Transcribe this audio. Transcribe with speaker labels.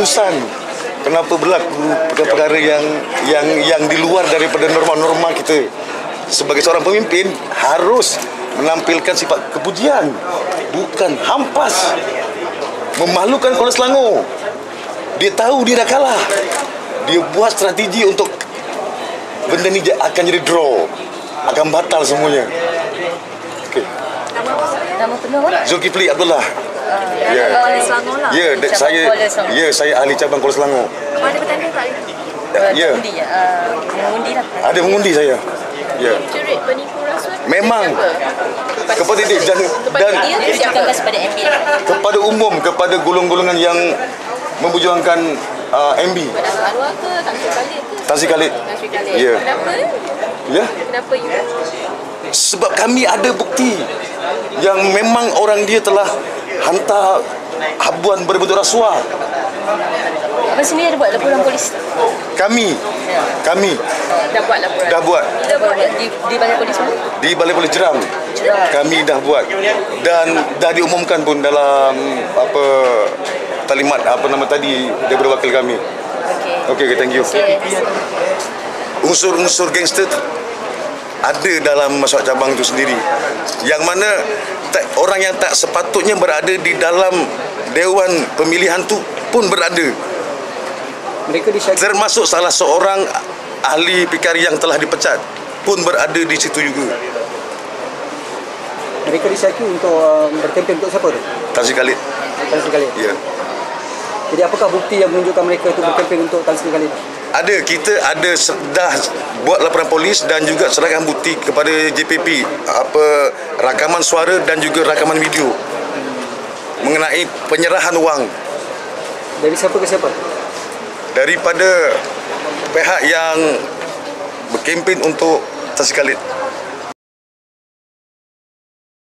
Speaker 1: keputusan. Kenapa berlaku perkara-perkara yang di luar daripada norma-norma kita. Sebagai seorang pemimpin harus menampilkan sifat kepujian, bukan hampas, memalukan Kuala Selangor. Dia tahu dia dah kalah. Dia buat strategi untuk benda ni akan jadi draw, akan batal semuanya. Okey.
Speaker 2: Nama penuh apa?
Speaker 1: Zulkifli Abdullah.
Speaker 2: Ya. Kuala Selangor lah.
Speaker 1: Saya ahli cabang Kuala Selangor.
Speaker 2: Ada bertanding tak?
Speaker 1: Ya.
Speaker 2: Mengundi lah.
Speaker 1: Ada mengundi saya. Ya.
Speaker 2: Cerit penipu rasuah.
Speaker 1: Memang kepada dia dan
Speaker 2: kepada MB.
Speaker 1: kepada umum, kepada golongan-golongan yang memperjuangkan MB.
Speaker 2: Arwah ke
Speaker 1: Tan Sri Khalid. Ya.
Speaker 2: Kenapa?
Speaker 1: Ya.
Speaker 2: Kenapa you?
Speaker 1: Sebab kami ada bukti yang memang orang dia telah hantar habuan berbentuk rasuah.
Speaker 2: Abang sendiri ada buat laporan polis?
Speaker 1: Kami
Speaker 2: Dah buat laporan?
Speaker 1: dah buat
Speaker 2: Bila buat? Di balai polis mana?
Speaker 1: di Balai Polis Jeram. Kami dah buat dan dah diumumkan pun dalam apa talimat apa nama tadi daripada wakil kami. Okey, thank you. Unsur-unsur gangster ada dalam masyarakat cabang itu sendiri, yang mana orang yang tak sepatutnya berada di dalam Dewan Pemilihan tu pun berada.
Speaker 3: Mereka disyaki,
Speaker 1: termasuk salah seorang ahli PKR yang telah dipecat pun berada di situ juga.
Speaker 3: mereka disyaki untuk berkempen untuk siapa tu?
Speaker 1: Tan Sri Khalid.
Speaker 3: Tan Sri Khalid.
Speaker 1: Ya.
Speaker 3: Jadi apakah bukti yang menunjukkan mereka itu berkempen untuk Tan Sri Khalid?
Speaker 1: Ada, kita ada dah buat laporan polis dan juga serahkan bukti kepada JPP, apa rakaman suara dan juga rakaman video mengenai penyerahan wang
Speaker 3: Dari siapa ke siapa?
Speaker 1: daripada pihak yang berkempen untuk Tan Sri Khalid.